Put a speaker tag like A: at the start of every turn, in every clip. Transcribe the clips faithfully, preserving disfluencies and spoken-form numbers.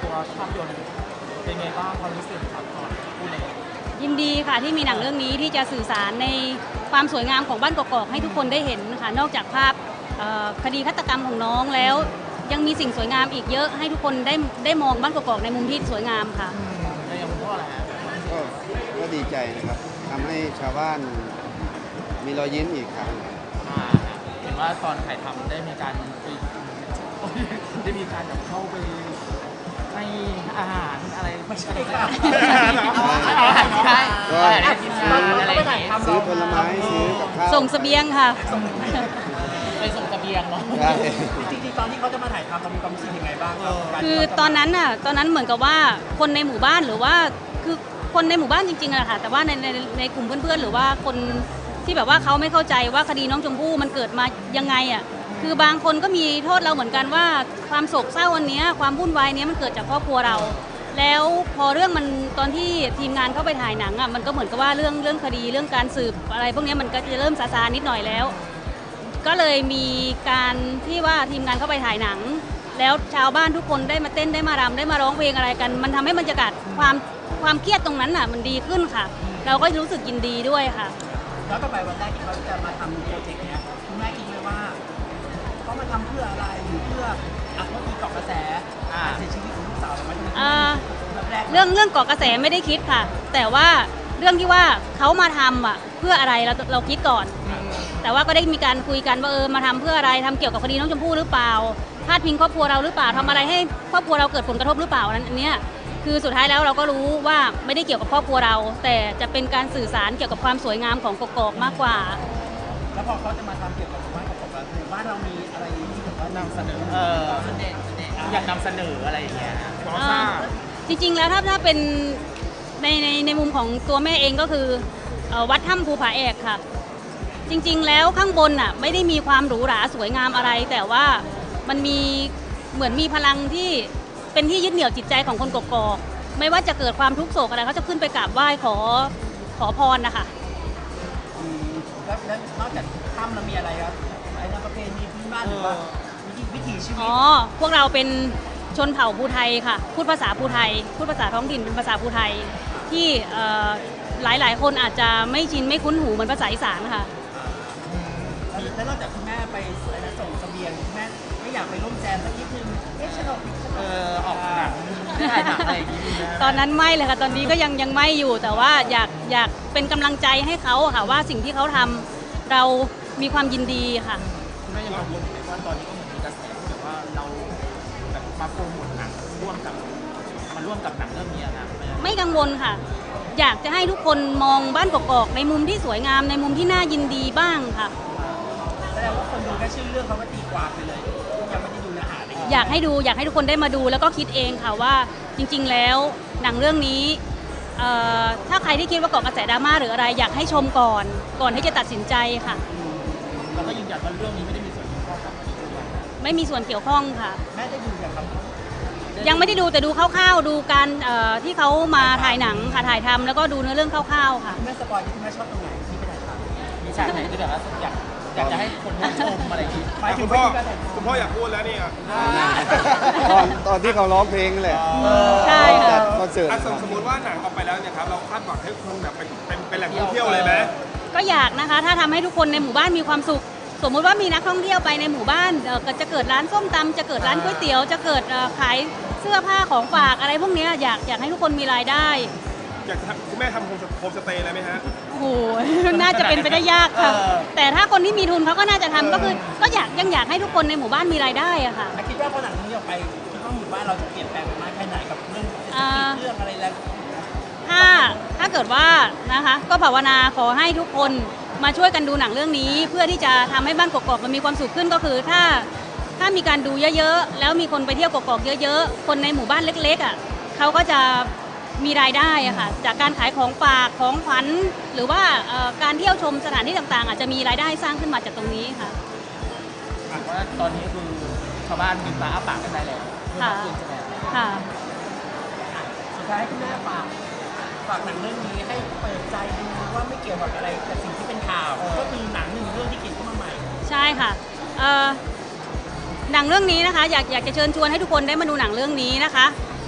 A: ตัวภาพยนตร์เป็นไงบ้างความรู้สึกครับก่อนพูดเลย
B: ยินดีค่ะที่มีหนังเรื่องนี้ที่จะสื่อสารในความสวยงามของบ้านกอกๆให้ทุกคนได้เห็นค่ะนอกจากภาพคดีฆาตกรรมของน้องแล้วยังมีสิ่งสวยงามอีกเยอะให้ทุกคนได้ได้มองบ้านกอกๆในมุมที่สวยงามค่ะ
A: แล้วอย่างพ่ออะไรฮะ
C: ก็ก็ดีใจนะครับทำให้ชาวบ้านมีรอยยิ้มอีกครั้ง
A: เห็นว่าตอนถ่ายทำได้มีการไปได้มีการแบบเข้าไปให้อาหารอะไรไม่ใช่ค่ะอาหารใช่อาหารกินงานอะไรอย่างเงี้ย
C: ซื้อผลไม้ซื้อกับข้าว
B: ส่งเสบียงค่ะ
A: ไปส่งเสบียงเนาะจริงๆตอนที่เขาจะมาถ่ายทำเรามีความรู้สึกยังไงบ้าง
B: คือตอนนั้นน่ะตอนนั้นเหมือนกับว่าคนในหมู่บ้านหรือว่าคือคนในหมู่บ้านจริงๆอะค่ะแต่ว่าในในในกลุ่มเพื่อนๆหรือว่าคนที่แบบว่าเขาไม่เข้าใจว่าคดีน้องชมพู่มันเกิดมายังไงอ่ะคือบางคนก็มีโทษเราเหมือนกันว่าความโศกเศร้าวันนี้ความวุ่นวายนี้มันเกิดจากครอบครัวเราแล้วพอเรื่องมันตอนที่ทีมงานเข้าไปถ่ายหนังอ่ะมันก็เหมือนกับว่าเรื่องเรื่องคดีเรื่องการสืบอะไรพวกนี้มันก็จะเริ่มซาซานิดหน่อยแล้วก็เลยมีการที่ว่าทีมงานเข้าไปถ่ายหนังแล้วชาวบ้านทุกคนได้มาเต้นได้มารำได้มาร้องเพลงอะไรกันมันทำให้บรรยากาศความความเครียดตรงนั้นอ่ะมันดีขึ้นค่ะเราก็รู้สึกยินดีด้วยค่ะ
A: แล้วต่อไปวันแรกที่เขาจะมาทำโปรเจกต์เนี้ยคุณแม่คิดไหมว่าเขามาทำเพื่ออะไรหรือเพื่ออ่ะเมื่อกี้เกาะกระแสการเสียชีวิตของลูกสาวเราไหม
B: เรื่องเรื่องเกาะกระแสไม่ได้คิดค่ะแต่ว่าเรื่องที่ว่าเขามาทำอ่ะเพื่ออะไรเราเราคิดก่อนแต่ว่าก็ได้มีการคุยกันว่าเออมาทำเพื่ออะไรทำเกี่ยวกับคดีน้องชมพู่หรือเปล่าพาดพิงครอบครัวเราหรือเปล่าทำอะไรให้ครอบครัวเราเกิดผลกระทบหรือเปล่านั้นอันเนี้ยคือสุดท้ายแล้วเราก็รู้ว่าไม่ได้เกี่ยวกับครอบครัวเราแต่จะเป็นการสื่อสารเกี่ยวกับความสวยงามของกกอกมากกว่า
A: แล้วพอเขาจะมาทำเกี่ยวกับหมู่บ้านกกอกหมู่บ้านเรามีอะไรที่แบบว่านำเสนอเอออยากนำเสนออะไรอย่างเงี้ย
B: จริงๆแล้วถ้าถ้าเป็นในในในมุมของตัวแม่เองก็คือวัดถ้ำภูผาแอกค่ะจริงๆแล้วข้างบนน่ะไม่ได้มีความหรูหราสวยงามอะไรแต่ว่ามันมีเหมือนมีพลังที่เป็นที่ยึดเหนี่ยวจิตใจของคนกกอกไม่ว่าจะเกิดความทุกข์โศกอะไรเขาจะขึ้นไปกราบไหว้ขอขอพรนะคะ
A: แล้วนอกจากถ้ำเรามีอะไรครับไอ้ประเพณีพื้นบ้านหรือว่าวิถีชีวิตอ๋อ
B: พวกเราเป็นชนเผ่าภูไทยค่ะพูดภาษาภูไทยพูดภาษาท้องถิ่นเป็นภาษาภูไทยที่หลายๆคนอาจจะไม่ชินไม่คุ้นหูเหมือนภาษาอีสานค่ะ
A: แล้วนอกจากคุณแม่ไปส่งเสบียงคุณแม่ไม่อยากไปร่วมแจมสักนิดนึงเอ๊ะฉันออกเออออกหนังถ่ายหนังอะไรอย่างงี้
B: ตอนนั้นไม่เลยค่ะตอนนี้ก็ยังยังไม่อยู่แต่ว่าอยากอยากเป็นกำลังใจให้เขาค่ะว่าสิ่งที่เขาทำเรามีความยินดีค่ะ
A: คุณแม่ยังกังวลไหมว่าตอนนี้ก็เหมือนมีกระแสที่แบบว่าเราแบบมาโปรโมทหนังร่วมกับมาร่วมกับหนังเรื่องนี้นะ
B: ไม่กังวลค่ะอยากจะให้ทุกคนมองบ้านกอกๆในมุมที่สวยงามในมุมที่น่ายินดีบ้างค่ะ
A: แสดงว่าคนดูแค่ชื่อเรื่องเขาก็ตีความไปเลยยังไม่ได้ดูเนื้อหาเลย
B: อยากให้ดูอยากให้ทุกคนได้มาดูแล้วก็คิดเองค่ะว่าจริงๆแล้วหนังเรื่องนี้ถ้าใครที่คิดว่าเกาะกระแสดราม่าหรืออะไรอยากให้ชมก่อนก่อนที่จะตัดสินใจค่ะ
A: เราก็ยืนยันว่าเรื่องนี้ไม่ได้มีส่วนเกี่ยวข้องกับ
B: ไม่มีส่วนเกี่ยวข้องค่ะ
A: แม่ได้ดูอย่างครับ
B: ยังไม่ได้ดูแต่ดูคร่าวๆดูการที่เขามาถ่ายหนังค่ะถ่ายทำแล้วก็ดูเนื้อเรื่องคร่าวๆค่ะ
A: แม่สปอยที่แม่ชอบตรงไหนที่ไปถ่ายทำมีฉากไหนที่แบบว่าอยากอยากจะให้คนชมอะไรอย่างนี้
D: หมายถึงพ่อคุณพ่ออยากพูดแล้วนี่
C: ตอนตอนที่เขาร้องเพลงแหละ
B: ใช่ค่ะ
C: คอนเสิร์ต
D: สมมติว่าหนังออกไปแล้วเนี่ยครับเราคาดหวังให้คนแบบเป็นเป็นแหล่งท่องเที่ยวเลยไหม
B: ก็อยากนะคะถ้าทำให้ทุกคนในหมู่บ้านมีความสุขสมมุติว่ามีนักท่องเที่ยวไปในหมู่บ้านจะเกิดร้านส้มตำจะเกิดร้านก๋วยเตี๋ยวจะเกิดขายเสื้อผ้าของฝากอะไรพวกนี้อยากอยากให้ทุกคนมีรายได้
D: อยากคุณแม่ทำโฮมสเตย์เลยไหมฮะ
B: โอ้โหน่าจะเป็นไปได้ยากค่ะแต่ถ้าคนที่มีทุนเขาก็น่าจะทำก็คือก็อยากยังอยากให้ทุกคนในหมู่บ้านมีรายได้อะค่ะ
A: คิดว่าพอหนังนี้ออกไปคิดว่าหมู่บ้านเราจะเปลี่ยนแปลงไปมากแค่ไหนกับเรื่องเรื่องอะไรแล้ว
B: ถ้าถ้าเกิดว่านะคะก็ภาวนาขอให้ทุกคนมาช่วยกันดูหนังเรื่องนี้เพื่อที่จะทำให้บ้านกกอกมันมีความสุขขึ้นก็คือถ้าถ้ามีการดูเยอะๆแล้วมีคนไปเที่ยวกกอกเยอะๆคนในหมู่บ้านเล็กๆอ่ะเขาก็จะมีรายได้อะค่ะจากการขายของฝากของขวัญหรือว่าการเที่ยวชมสถานที่ต่างๆอาจจะมีรายได้สร้างขึ้นมาจากตรงนี้ค่ะ
A: ว่าตอนนี้คือชาวบ้านมีปลาอ้าปากกันได้แล้ว
B: ค่ะค่ะ
A: สุดท้ายคุณแม่ฝากฝากหนังเรื่องนี้ให้เปิดใจดูว่าไม่เกี่ยวกับอะไรกับสิ่งที่เป็นข่าวก็คือหนังหนึ่งเรื่องที่เขียนขึ้นมาใหม่
B: ใช่ค่ะหนังเรื่องนี้นะคะอยากอยากจะเชิญชวนให้ทุกคนได้มาดูหนังเรื่องนี้นะคะ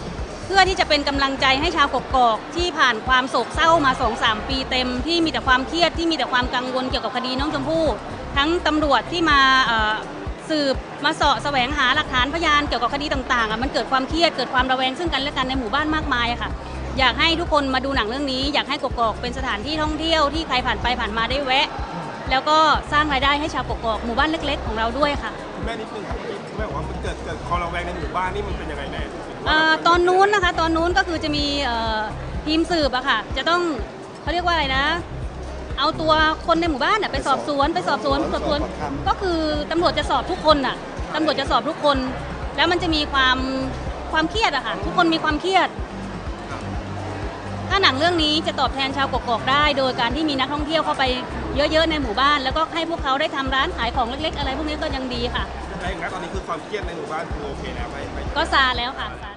B: เพื่อที่จะเป็นกำลังใจให้ชาวกกอกที่ผ่านความโศกเศร้ามา สองสาม ปีเต็มที่มีแต่ความเครียดที่มีแต่ความกังวลเกี่ยวกับคดีน้องชมพู่ทั้งตำรวจที่มาเอ่อสืบมาเสาะแสวงหาหลักฐานพยานเกี่ยวกับคดีต่างๆอ่ะมันเกิดความเครียดเกิดความระแวงซึ่งกันและกันในหมู่บ้านมากมายอะค่ะอยากให้ทุกคนมาดูหนังเรื่องนี้อยากให้กกอกเป็นสถานที่ท่องเที่ยวที่ใครผ่านไปผ่านมาได้แวะ แล้วก็สร้างรายได้ให้ชาวกกอกหมู่บ้านเล็กๆของเราด้วยค่ะ
D: คุณแม่นิดนึงครับคุณแม่บอกว่ามันเกิดเกิดคอระแวงในหมู่บ้านนี่มันเป็นยังไงแน่
B: เอ่อตอนนู้นนะคะตอนนู้นก็คือจะมีเอ่อทีมสืบอะค่ะจะต้องเขาเรียกว่าอะไรนะ เอาตัวคนในหมู่บ้านอะไปสอบสวนไปสอบสวนสอบสวนก็คือตำรวจจะสอบทุกคนอะตำรวจจะสอบทุกคน แล้วมันจะมีความความเครียดอะค่ะทุกคนมีความเครียด ถ้าหนังเรื่องนี้จะตอบแทนชาวกกอกได้ โดยการที่มีนักท่องเที่ยวเข้าไปเยอะๆในหมู่บ้าน แล้วก็ให้พวกเขาได้ทำร้านขายของเล็กๆอะไรพวกนี้ก็ยังดีค่ะ
D: ใช่ครับตอนนี้คือความเครียดในหมู่บ้านคือโอเคแล้วไม่ไม่
B: ก็ซาแล้วค่ะซา